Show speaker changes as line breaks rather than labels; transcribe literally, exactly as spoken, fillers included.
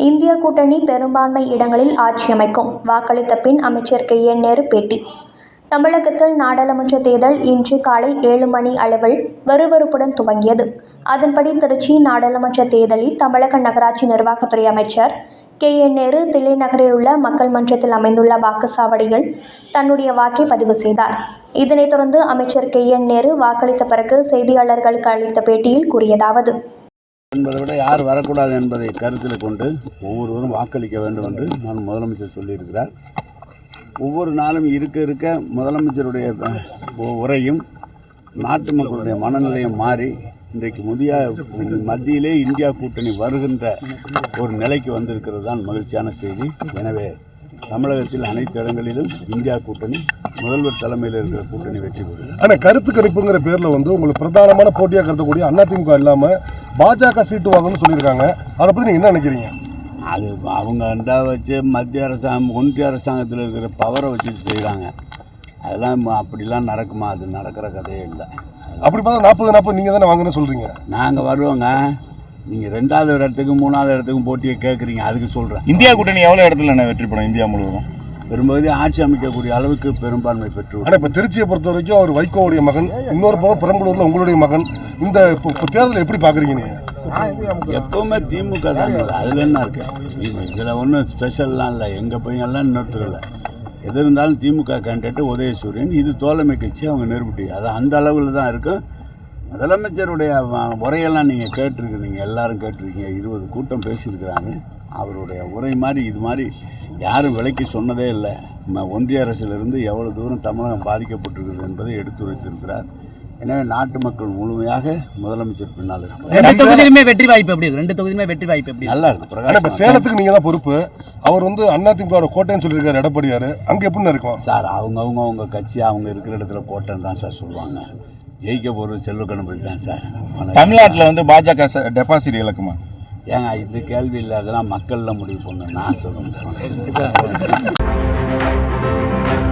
India கூட்டணி பெரும்பான்மை இடங்களில் ஆட்சி அமைக்கும். வாக்களித்த பின் அமைச்சர் கே என் நேரு பேட்டி. தமிழகத்தில் நாடாளுமன்ற தேர்தல் இன்று காலை ஏழு மணி அளவில் விறுவிறுப்புடன் துவங்கியது. அதன்படி திருச்சி நாடாளுமன்ற தேர்தலில் தமிழக நகராட்சி நிர்வாகத்துறை அமைச்சர் கே என் நேரு தில்லை நகரில் உள்ள மக்கள் மன்றத்தில் அமைந்துள்ள வாக்குச்சாவடியில் தன்னுடைய வாக்கை பதிவு செய்தார். இதனைத் தொடர்ந்து அமைச்சர் கே என் நேரு வாக்களித்த பிறகு செய்தியாளர்களுக்கு அளித்த பேட்டியில் கூறியதாவது:
என்பதை விட யார் வரக்கூடாது என்பதை கருத்தில் கொண்டு ஒவ்வொருவரும் வாக்களிக்க வேண்டும் என்று நான் முதலமைச்சர் சொல்லியிருக்கிறார். ஒவ்வொரு நாளும் இருக்க இருக்க முதலமைச்சருடைய உரையும் நாட்டு மக்களுடைய மனநிலையும் மாறி இன்றைக்கு முதிய மத்தியிலே இந்தியா கூட்டணி வருகின்ற ஒரு நிலைக்கு வந்திருக்கிறது தான் மகிழ்ச்சியான செய்தி. எனவே தமிழகத்தில் அனைத்து இடங்களிலும் இந்தியா கூட்டணி முதல்வர் தலைமையில் இருக்கிற கூட்டணி வெற்றி பெறும்.
ஆனால் கருத்து கணிப்புங்கிற பேரில் வந்து உங்களுக்கு பிரதானமான போட்டியாக கருதக்கூடிய அதிமுக இல்லாமல் பாஜக சீட்டு வாங்கணும்னு சொல்லியிருக்காங்க. அதை பற்றி நீங்கள் என்ன நினைக்கிறீங்க?
அது அவங்க ரெண்டா வச்சு மத்திய அரசாங்கம் ஒன்றிய அரசாங்கத்தில் இருக்கிற பவரை வச்சுட்டு செய்கிறாங்க. அதெல்லாம் அப்படிலாம் நடக்குமா? அது நடக்கிற கதையே இல்லை.
அப்படி பார்த்தா நாற்பது நாற்பது நீங்கள் தானே வாங்கன்னு சொல்கிறீங்க.
நாங்கள் வருவோங்க. நீங்கள் ரெண்டாவது இடத்துக்கும் மூணாவது இடத்துக்கும் போட்டியை கேட்குறீங்க, அதுக்கு சொல்கிறேன்.
இந்தியா கூட்டணி எவ்வளோ இடத்துல என்ன வெற்றி பெறும்? இந்தியா முழுவதும்
பெரும்பகுதி ஆட்சி அமைக்கக்கூடிய அளவுக்கு பெரும்பான்மை பெற்று.
ஆனால் இப்போ திருச்சியை பொறுத்த வரைக்கும் அவர் வைகோவுடைய மகன், இன்னொரு பக்கம் பெரம்பலூரில் உங்களுடைய மகன். இந்த இப்போ தேர்தலை எப்படி பார்க்குறீங்க நீங்கள்?
எப்போவுமே திமுக தான். அதில் என்ன இருக்கு? இதில் ஒன்றும் ஸ்பெஷல்லாம் இல்லை. எங்கள் பையன்லாம் இன்னொருத்தர் இல்லை. எது இருந்தாலும் திமுக கேண்டிடேட்டு உதயசூரியன். இது தோழமை கட்சி, அவங்க நிரூபிட்டி. அது அந்த அளவில் தான் இருக்கும். முதலமைச்சருடைய உரையெல்லாம் நீங்கள் கேட்டிருக்கிறீங்க, எல்லாரும் கேட்டிருக்கீங்க. இருபது கூட்டம் பேசியிருக்கிறாங்க. அவருடைய உரை மாதிரி இது மாதிரி யாரும் விலைக்கு சொன்னதே இல்லை. ஒன்றிய அரசிலிருந்து எவ்வளோ தூரம் தமிழகம் பாதிக்கப்பட்டிருக்கிறது என்பதை எடுத்துரைத்திருக்கிறார். எனவே நாட்டு மக்கள் முழுமையாக முதலமைச்சர் பின்னால் இருக்கிறார்.
ரெண்டு தொகுதியிலுமே வெற்றி வாய்ப்பு எப்படி? ரெண்டு தொகுதியுமே வெற்றி வாய்ப்பு எப்படி?
நல்லா இருக்கு.
பிரகாஷ், சேலத்துக்கு நீங்கள் தான் பொறுப்பு. அவர் வந்து அதிமுக கோட்டைன்னு சொல்லியிருக்காரு எடப்பாடியார். அங்கே எப்படின்னு இருக்கும்
சார்? அவங்கவுங்க அவங்க கட்சி அவங்க இருக்கிற இடத்துல கோட்டைன்னு தான் சார் சொல்லுவாங்க. ஜெயிக்க போகிறது செல்வ கணபதி தான் சார்.
தமிழ்நாட்டில் வந்து பாஜக டெபாசிட் இழக்குமா?
ஏங்க இந்த கேள்வி இல்லை, அதெல்லாம் மக்களில் முடிவு பண்ணணும். நான் சொல்ல முடியும்.